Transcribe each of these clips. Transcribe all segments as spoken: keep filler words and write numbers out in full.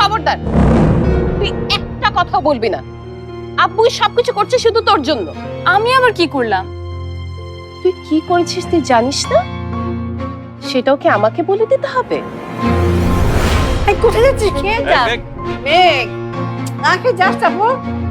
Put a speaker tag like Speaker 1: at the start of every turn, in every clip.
Speaker 1: খবরদার, তুই একটা কথা বলবি না। আব্বুই সবকিছু করছে শুধু তোর জন্য।
Speaker 2: আমি আবার কি করলাম?
Speaker 1: তুই কি করেছিস তুই জানিস না? সেটাও কি আমাকে বলে দিতে হবে?
Speaker 3: এই কোথায় যাচ্ছিস? খেয়ে যা। মেঘ, না খেয়ে যাস যাবো।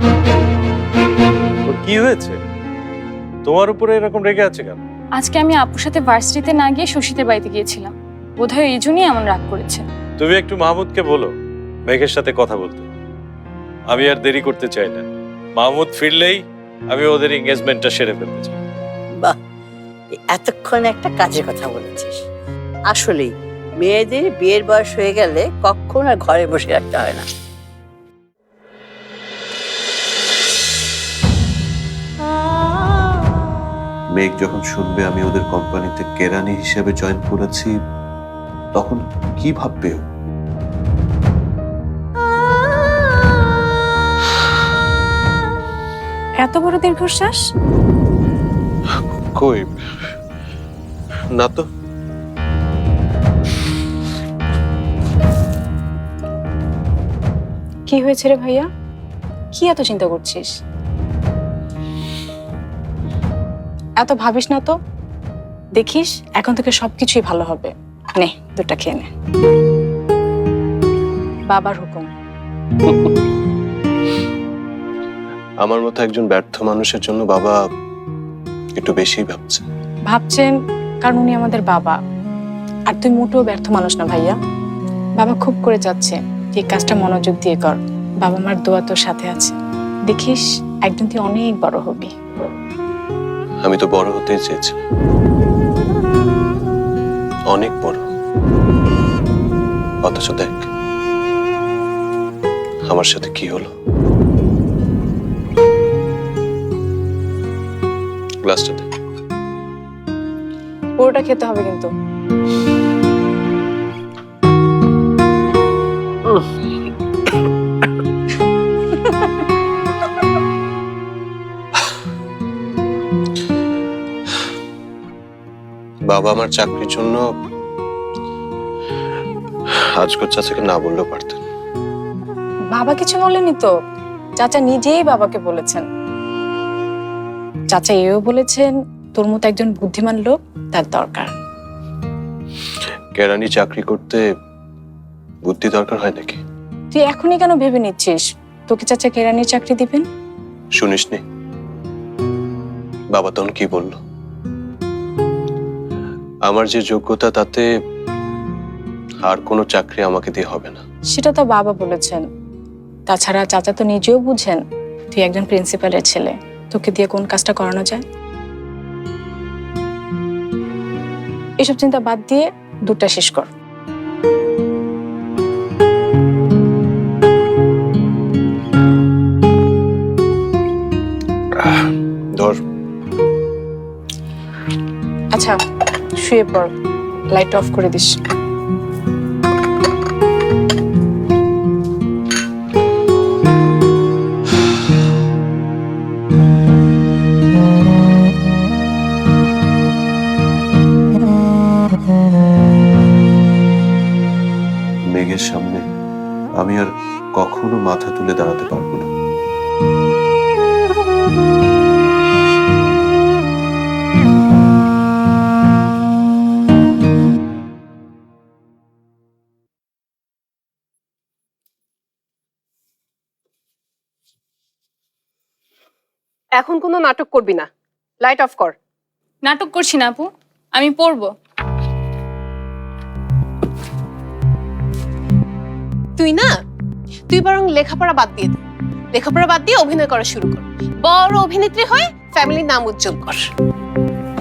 Speaker 4: ওর কি হয়েছে? তোমার উপরে এরকম রেগে আছে কেন?
Speaker 2: আজকে আমি আপুর সাথে ভার্সিটিতে না গিয়ে শশীদের বাড়িতে গিয়েছিলাম, বোধহয় এই জন্যই এমন রাগ করেছে।
Speaker 4: তুমি একটু মাহমুদকে বলো মেঘের সাথে কথা বলতে। আমি আর দেরি করতে চাই না। মাহমুদ ফিরলেই আমি ওদের এঙ্গেজমেন্টটা সেরে ফেলতে চাই।
Speaker 3: বাহ, এতক্ষণ একটা কাজের কথা বলেছিস। আসলেই মেয়েদের বিয়ের বয়স হয়ে গেলে কখন আর ঘরে বসে রাখতে হয় না।
Speaker 5: মেঘ যখন শুনবে আমি ওদের কোম্পানিতে কেরানি হিসেবে জয়েন করেছি, তখন কি ভাববে ও?
Speaker 2: এত বড় দীর্ঘশ্বাস?
Speaker 5: কই না তো।
Speaker 2: কি হয়েছে রে ভাইয়া? কি এত চিন্তা করছিস? এত ভাবিস না তো, দেখিস এখন থেকে সবকিছুই ভালো হবে। নে দুটা খেয়ে নে। বাবার হুকুম।
Speaker 5: আমার মতো একজন ব্যর্থ মানুষের জন্য বাবা একটু বেশিই ভাবছে।
Speaker 2: ভাবছেন কারণ উনি আমাদের বাবা, আর তুই মোটেও ব্যর্থ মানুষ না ভাইয়া। বাবা খুব করে চাচ্ছে এই কাজটা মনোযোগ দিয়ে কর। বাবা মার দোয়া তোর সাথে আছে, দেখিস একদিন তুই অনেক বড় হবি।
Speaker 5: আমি তো বড় হতেই চেয়েছি, অনেক বড়। অথচ দেখ আমার সাথে কি হলো। গ্লাসটা দে।
Speaker 2: পুরোটা খেতে হবে কিন্তু।
Speaker 5: বাবা আমার চাকরির জন্য আজকের চাচাকে না বললেও পারতেন।
Speaker 2: বাবা কিছু বলেনি তো, চাচা নিজেই বাবাকে বলেছেন। চাচা এও বলেছেন তোর মতো একজন বুদ্ধিমান লোক তার দরকার।
Speaker 5: কেরানি চাকরি করতে বুদ্ধি দরকার হয় নাকি?
Speaker 2: তুই এখনই কেন ভেবে নিচ্ছিস তোকে চাচা কেরানির চাকরি দিবেন?
Speaker 5: শুনিসনি বাবা তখন কি বলল? আমার যে যোগ্যতা তাতে আর কোনো চাকরি আমাকে দিয়ে হবে না।
Speaker 2: সেটা তো বাবা বলেছেন। তাছাড়া চাচা তো নিজেও বুঝেন তুই একজন প্রিন্সিপালের ছেলে, তোকে দিয়ে কোন কাজটা করানো যায়। এসব চিন্তা বাদ দিয়ে দুধটা শেষ কর।
Speaker 5: ধর।
Speaker 2: আচ্ছা শুয়ে পড়, লাইট অফ করে দিস।
Speaker 5: মেঘের সামনে আমি আর কখনো মাথা তুলে দাঁড়াতে পারবো না।
Speaker 1: এখন কোনো নাটক করবি না, লাইট অফ কর।
Speaker 2: নাটক করছি না আপু, আমি পড়বো।
Speaker 1: তুই না, তুই বরং লেখাপড়া বাদ দিয়ে দে। লেখাপড়া বাদ দিয়ে অভিনয় করা শুরু কর। বড় অভিনেত্রী হয়ে ফ্যামিলির নাম উজ্জ্বল কর।